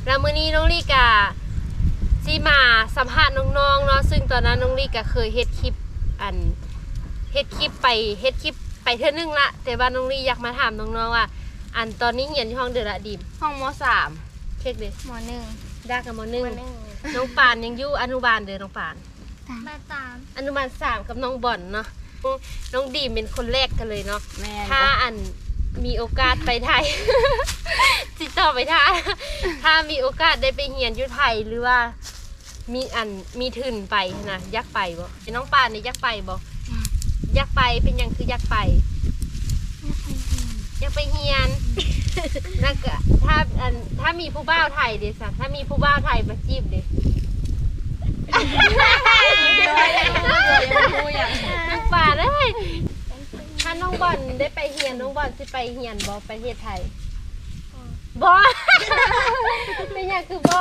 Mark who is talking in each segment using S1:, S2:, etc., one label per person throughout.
S1: แล้วมื้อนี้น้องลี่กะสิมาสัมภาษณ์น้องๆเนาะซึ่งตอนนั้นน้องลี่กะเคยเฮ็ดคลิปไปเทื่อนึงละแต่ว่าน้องลี่อยากมาถามน้องๆว่าตอนนี้เรียนอยู่ห้องเดือละดิม
S2: ห้องม.3
S1: เช็คดิ
S3: ม.1
S1: ดากับม.1น้องปานยังอยู่อนุบาลเด้อน้องปานอนุบาล3กับน้องบ่อนเนาะน้องดีมเป็นคนแรกกันเลยเนาะถ้ามีโอกาสไปไทย ติดต่อไปถ้ามีโอกาสได้ไปเรียนอยู่ไทยหรือว่ามีทุนไปนะอยากไปบ่น้องปานนี่อยากไปบ่อยากไปเป็นยังคืออยากไปเรียนแล้วก็ถ้ามีผู้บ่าวไทยเด้สักถ้ามีผู้บ่าวไทยมาจีบเด้น้องปานเอ้ยถ้าน้องบอลได้ไปเรียนน้องบอลสิไปเรียนบ่ประเทศไทยบ่เป็นยังคือบ่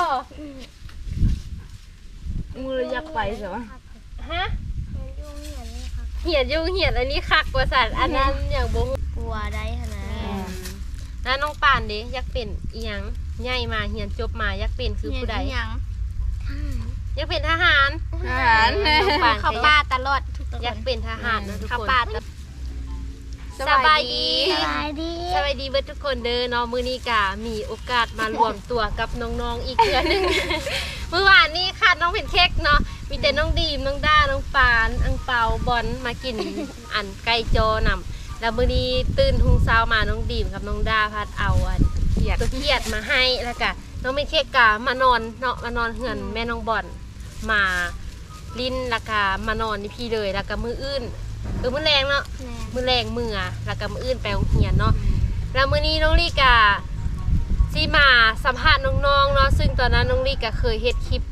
S2: มืออยากไปใช่ไหม
S1: ฮะเหียนอันนี้คักกว่าสัตว์อันนั้นอย่างบ่
S3: กลัวได้ขนาด
S1: แล้วน้องปานเด้อยากเป็นอีหยังใหญ่มาเรียนจบมาอยากเป็นคือผู้ใดอยากเป็นทหาร
S3: เขาป้าตลอด
S1: อยากเป็นทหารนะทุกคน
S3: เขาป้า
S1: สบายดีเบิดทุกคนเด้อเนาะมื้อนี้ก็มีโอกาสมารวมตัวกับน้องๆอีกเทื่อนึง เมื่อวานนี้ค่ะน้องเป็นเค้กเนาะมีแต่น้องดีมน้องด้าน้องปานอังเปาบอลมากินไก่จอนำแล้วมื้อนี้ตื่นทุ่งเช้ามาน้องดีมกับน้องด้าพัดเอาตัวเขียดมาให้แล้วก็น้องเป็นเค้กก็มานอนเนาะมานอนเฮือนแม่น้องบอลมาลิ้นแล้วก็มานอนนี่พี่เลยแล้วก็มื้ออื่นมื้อแรงเนาะมื้อแรงแล้วก็มื้ออื่นไปโรงเรียนเนาะแล้วมื้อนี้น้องลี่กะสิมาสัมภาษณ์น้องๆเนาะซึ่งตอนนั้นน้องลี่กะเคยเฮ็ดคลิป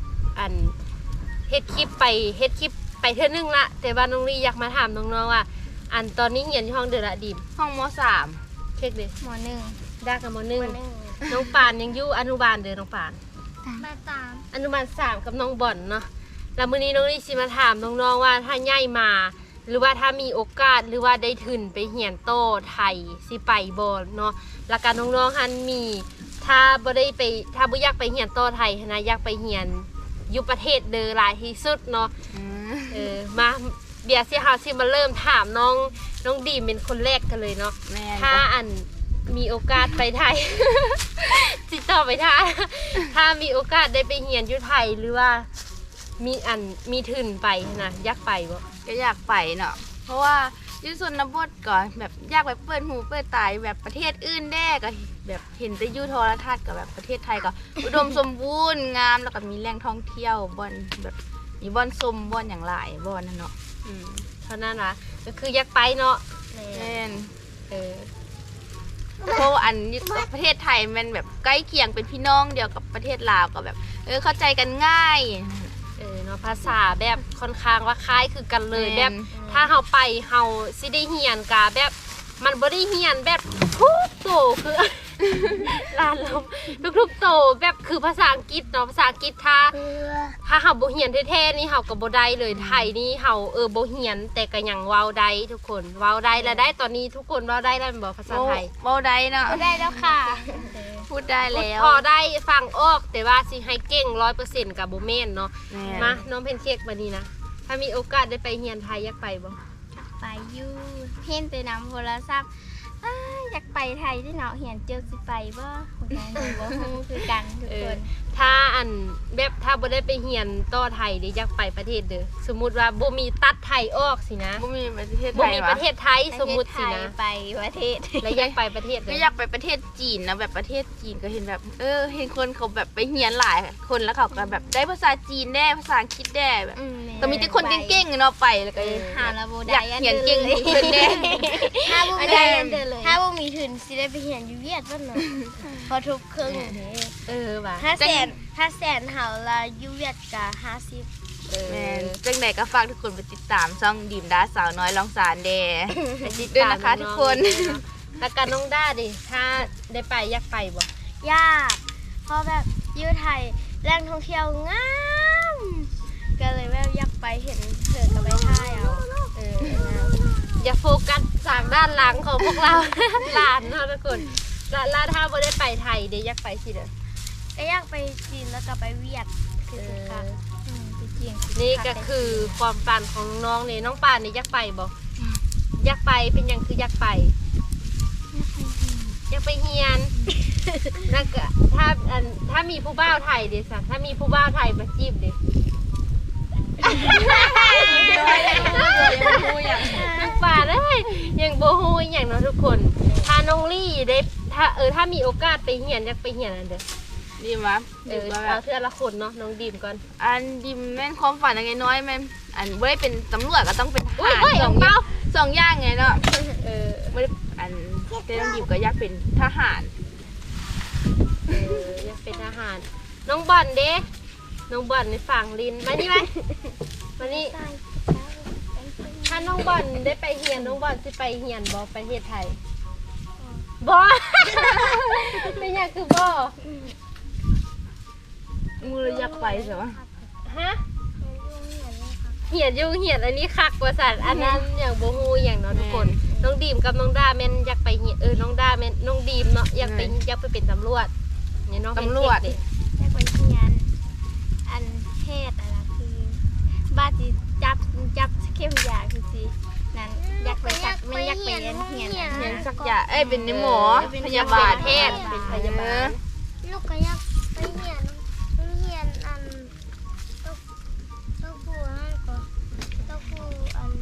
S1: ไปเทื่อนึงละแต่ว่าน้องลี่อยากมาถามน้องๆว่าตอนนี้เรียนอยู่ห้องเดือละดิม
S2: ห้องม.3
S1: เช็คดิ
S3: ม.1
S1: ดากับม.1น้องปานยังอยู่อนุบาลเด้อน้องปานอนุบาล3กับน้องบ่อนเนาะแล้วมื้อนี้น้องลี่สิมาถามน้องๆว่าถ้าใหญ่มาหรือว่าถ้ามีโอกาสหรือว่าได้ทุนไปเรียนโตไทยสิไปบ่เนาะแล้วก็น้องๆหันมีถ้าบ่อยากไปเรียนโตไทยนะอยากไปเรียนอยู่ประเทศเด้อหลายที่สุดเนาะมาเดี๋ยวสิเฮาสิมาเริ่มถามน้องดีมเป็นคนแรกกันเลยเนาะถ้ามีโอกาสไปไทย ติดต่อไปถ้ามีโอกาสได้ไปเรียนอยู่ไทยหรือว่ามีทุนไปนะอยากไปบ่
S2: ก็อยากไปเนาะเพราะว่ายุชนบทก่อนแบบอยากไปเปิดหูเปิดตาแบบประเทศอื่นแด้ก็แบบเห็นแต่ยูโทรทัศน์กับแบบประเทศไทยก็ อุดมสมบูรณ์งามแล้วก็มีแหล่งท่องเที่ยวบ่อนแบบมีบ่อนชมบ่อนอย่างหลายบ่อนนั่นเนาะ
S1: เท่านั้นนะก็คืออยากไปเนาะ
S2: แม่นเพราะประเทศไทยมันแบบใกล้เคียงเป็นพี่น้องเดียวกับประเทศลาวก็แบบเข้าใจกันง่าย
S1: เนาะภาษาแบบค่อนข้างว่าคล้ายคือกันเลยแบบถ้าเฮาไปเฮาสิได้เรียนกะแบบมันบ่ได้เรียนแบบทุกโตคือลานลมทุกๆโตแบบคือภาษาอังกฤษเนาะภาษาอังกฤษถ้าเฮาบ่เรียนแท้ๆนี่เฮาก็บ่ได้เลยไทยนี่เฮาบ่เรียนแต่ก็ยังเว้าได้ทุกคนเว้าได้แล้วได้ตอนนี้ทุกคนเว้าได้แล้วบ่ภาษาไทย
S2: เว้าได้เนาะ
S3: ได้แล้วค่ะ
S2: พูดได้แล้ว
S1: พอได้ฟังออกแต่ว่าสิให้เก่ง 100% กับบ่แม่นเนาะมาน้องเพนเค้กบัดนี้นะถ้ามีโอกาสได้ไปเรียนไทยอยากไปบ่
S3: ไปอยู่เห็นแต่นำโทรศัพท์อยากไปไทยที่เนาะเห็นเจอสิไปบ่คนนั้นบ่ฮู้คือกันทุกคน
S1: ถ้าแบบถ้าบ่ได้ไปเรียนต่อไทยเด้อยากไปประเทศเด้อสมมุติว่าบ่มีตัดไทยออกสินะ
S2: บ่มีประเทศ
S1: ไทยสมมุติสินะ
S3: ไปประเทศ
S1: แล้วอยากไปประเทศ
S2: ก็อยากไปประเทศจีนนะแบบประเทศจีนก็เห็นแบบเห็นคนเขาแบบไปเรียนหลายคนแล้วเขาก็แบบได้ภาษาจีนได้ภาษาอังกฤษได้แบบก็มีแต่คนเก่งๆเนาะไปแล้วก็
S3: หาแล้วบ่
S2: ได้เรียนเก่งเพิ่นแน่
S3: ถ้าบ่ได้ถ้าบ่มีทุนสิได้ไปเรียนอยู่เวียดบ่เนาะพอทุกครึ่ง
S1: ว่ะ
S3: ถ้าแสนเฮาละอยู่เวียดก็50
S2: แม่นจังได๋ก็ฝากทุกคนไปติดตามช่องดีมดาสาวน้อยลองสารแด่ไปติดตามนะคะทุกคน
S1: แล้วก็น้องด้าดิถ้าได้ไปอยากไปบ่
S3: ยากเพราะแบบอยู่ไทยแหล่งท่องเที่ยวงามก็เลยแบบอยากไปเห็นเถิดก็ไปถ่ายเอา
S1: อย่าโฟกัสจากด้านหลังของพวกเรา หลานเนาะทุกคนแล้วถ้าบ่ได้ไปไทยเดี๋ยวอยากไปสิเด้อ
S3: ก็อยากไปจีนแล้วก็ไปเวียดคือสิครับไปจีน
S1: นี่ก็คือความฝันของน้องนี่น้องป่านนี่อยากไปบ่อยากไปเป็นหยังคืออยากไปอยากไปเฮียนแล้วก็ถ้ามีผู้บ่าวไทยเด้ซะถ้ามีผู้บ่าวไทยมาจีบเด้น้องป่านเอ้ยยังบ่ฮู้อีหยังเนาะทุกคนถ้าน้องลี่ได้ถ้ามีโอกาสไปเฮียนอยากไปเฮียนอันเด้อ
S2: ดีมั้ย
S1: เอาเทื่อละคนเนาะน้องดีมก่อน
S2: อันดิมแม่นความฝันยังไงน้อยแม่นอันบ่ได้เป็นตำรวจก็ต้องเป็นทหาร
S1: เฮ้ย
S2: สองอย่างไงเนาะ
S1: บ่ได้
S2: อันแต่น้องดิมก็อยากเป็นทหาร
S1: อยากเป็นทหารน้องบอลเด้น้องบอลในฝั่งลินมานี่ไหมมานี่ถ้าน้องบอลได้ไปเฮียนน้องบอลสิไปเฮียนบ่ประเทศไทยบ่เป็นหยังคือบ่
S2: มืออยากไปใช่ปะ
S1: ฮะเฮียนอยู่เฮียนอันนี้คักกว่าสัตว์อันนั้นอย่างบ่ฮู้อย่างเนาะทุกคนน้องดีมกับน้องดาแม่นอยากไปเฮียนน้องดาแม่นน้องดีมเนาะอยากไปเป็นตำรวจเนี่ยน้องเป็นเด็กเด้
S3: อยากไปเฮียนอันเทศอะไรคือบ้านสิจับเข้มยาคือสินั้นอยากไปจักไม่อยากไปเรียนเฮียน
S2: เรียนสักอย่างเป็นหมอพยาบาล
S1: แพทย์เป็นพยาบาล
S4: ลูกก็อยากไปเรียนอันต้องพูดให้ก่อนต้องพูดอัน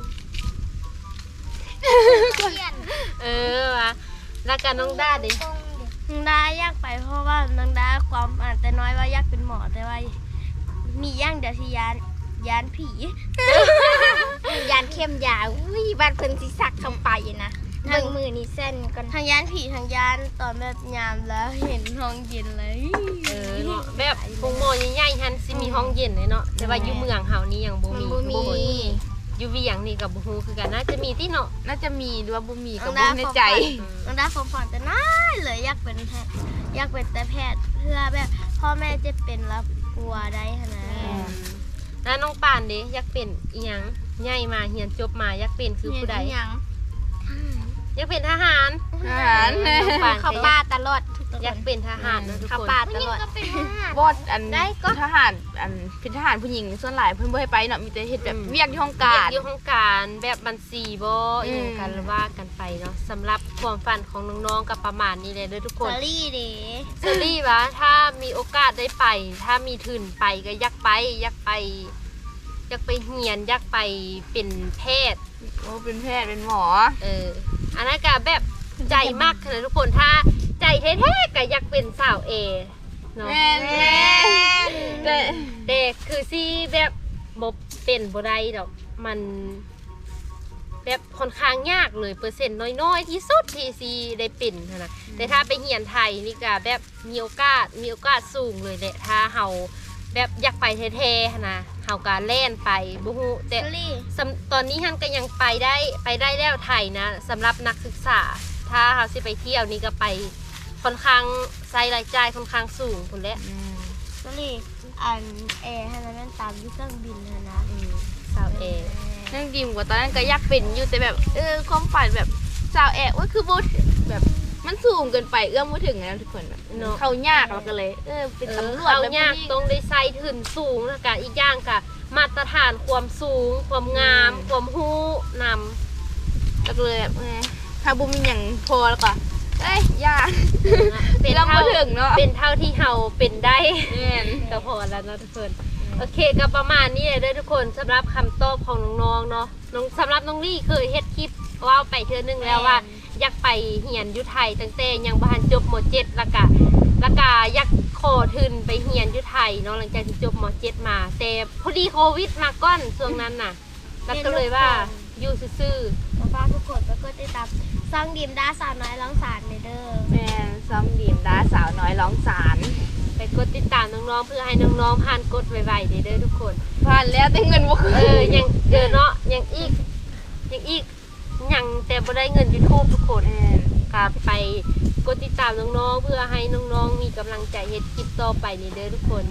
S4: เรียน
S1: ว่ะแล้วก็น้องด้าดิ
S4: ตรงเด็ก
S3: นางดาอยากไปเพราะว่านางดาความอ่านแต่น้อยว่าอยากเป็นหมอแต่ว่ามีอย่างเดียวที่ยานผี ยานเข้มยาอุ้ยบ้านเพิ่นสิสักเข้าไปนะเบิ่งมือนี่เส้นก่อนทางยานผีทางยานตอนแบบยามแล้วเห็นห้องเย็นเลย
S1: เนาะแบบคงหมอใหญ่ๆฮันสิมีห้องเย็นเลยเนาะแต่ว่าอยู่เมืองเฮานี่ยังบ่มี
S3: บ่มี
S1: อยู่เวียงนี่กับบ่ฮู้คือกันน่าจะมีที่เนาะ
S2: น่าจะมีหรือว่าบ่มีก็บ่ในใจ
S3: นางดาความฝันแต่น้อยเลยอยากเป็นแพทย์อยากเป็นแต่แพทย์เพื่อแบบพ่อแม่จะเป็นแล้วกลัวได้ขนาด
S1: แล้วน้องปานเด้อยากเป็นอีหยังใหญ่มาเรียนจบมาอยากเป็นคือผู้ใด
S3: ยัง
S1: อยากเป็นทหาร
S2: ทหาร
S1: น้องปาน
S3: เข้าป่าตลอดทุก
S1: อยากเป็นทหารนะทุก
S3: เข้า
S1: คน
S3: ป่าต
S4: นี่
S3: ลอด
S4: ก็เป็นทหาร
S2: บอดอันทหารอันเป็นทหารผู้หญิงส่วนหลายเพิ่นบ่ให้ไปเนาะมีแต่เฮ็ดแบบเวียกที่ห้องการ
S1: อยู่ห้องการแบบบัญชีบ่อีหยังกันว่ากันไปเนาะสำหรับความฝันของน้องๆกับประมาณนี้เลยเด้อทุกคน
S3: สลี่เด้
S1: เซรี่วะถ้ามีโอกาสได้ไป ถ้ามีทุนไปก็อยากไปเฮียนอยากไปเป็นแพทย์
S2: โอ้เป็นแพทย์เป็นหมอ
S1: อันนั้นก็แบบใจมากเลยทุกคนถ้าใจแท้ๆก็อยากเป็นสาวเอเนาะ
S2: แม่แต่
S1: แต่คือซี่แบบบ่เป็นบ่ได้ดอกมันแบบค่อนข้างยากเลยเปอร์เซ็นต์น้อยๆที่สุดที่ซีได้เป็นหั้นนะแต่ถ้าไปเรียนไทยนี่ก็แบบมีโอกาสสูงเลยแหละถ้าเฮาแบบอยากไปแท้ๆหั้นนะเฮาก็แล่นไปบ่ฮู้แต่
S3: สลี่
S1: ตอนนี้ฮันก็ยังไปได้แล้วไทยนะสำหรับนักศึกษา ถ้าเฮาสิไปเที่ยวนี่ก็ไปค่อนข้างใช้รายจ่ายค่อนข้างสูงพุ่นแหละ
S3: สลี่อันแอร์ให้มันตามที่เครื่องบินนะ
S1: สาวเอ
S2: นั่งดิมกว่าตอนนั้นก็อยากเป็นอยู่แต่แบบความฝันแบบสาวแอะว่าคือบ่แบบมันสูงเกินไปเอื้อมบ่ถึงนะทุกคนแบบเขายากเราก็เลยเป็นตำรวจ
S1: เขา
S2: แล้ว
S1: ยากต้องได้ใส่ถึงสูงแล้วก็อีกอย่างก็มาตรฐานความสูงความงามความฮู้นำ
S2: แล้วก็เลยแบบถ้าบ่มีหยังพอแล้วก็ยาก
S1: เป็น
S2: เรา
S1: เท่า
S2: บ่ถึงเนาะ
S1: เป็นเท่าที่เฮาเป็นได้
S2: แม่น
S1: ก็พอแล้วเนาะทุกคนโอเคก็ประมาณนี้เลยเด้อทุกคนสำหรับคำตอบของน้องๆเนาะสำหรับน้องลี่เคยเฮ็ดคลิปว่าไปเทื่อนึงแล้วว่าอยากไปเฮียนอยู่ไทยตั้งแต่ยังบ่ทันจบม.7แล้วก็อยากขอทุนไปเฮียนอยู่ไทยเนาะหลังจากที่จบม.7มาแต่พอดีโควิดมาก่อนช่วงนั้นน่ะแล้วก็เลยว่าอยู่ซื่อ
S3: ก็ฝากทุกคนไปกดติดตามซ่องดิมดาสาวน้อยร้องสารเด้อ
S2: แม่นซ้อมดีมดาสาวน้อยร้องสาร
S1: ๆไปกดติดตามน้องๆเพื่อให้น้องๆผ่านกดไวๆเด้อทุกคน
S2: ผ่านแล้วแต่เงินบ่คืน
S1: ยังเนาะยังอีกยังแต่บ่ได้เงิน YouTube ทุกคนก็ไปกดติดตามน้องๆเพื่อให้น้องๆมีกำลังใจเฮ็ดคลิปต่อไปนี่เด้อทุกคน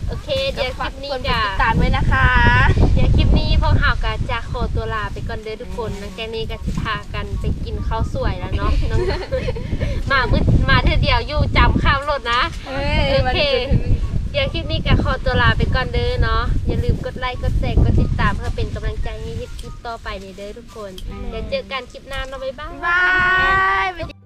S1: โอเคเดี๋ยวคลิปนี้
S2: คนไป
S1: จะ
S2: ติดตามไว้นะคะ
S1: เดี๋ยวคลิปนี้พวกเราก็จะขอตัวลาไปก่อนเด้อทุกคนหลังจากนี้ก็จะพากันไปกินข้าวสวยแล้วเนาะน้อง มาเธอเดียวอยู่จำข้ามรถนะโอเคเดี๋ยวคลิปนี้ก็ขอตัวลาไปก่อนเด้อเนาะอย่าลืมกดไลค์กดแชร์กดติดตามเพื่อเป็นกำลังใจให้คลิปต่อไปในเด้อทุกคนเดี๋ยวเจอกันคลิปหน้าเนาะบ๊ายบาย
S2: บาย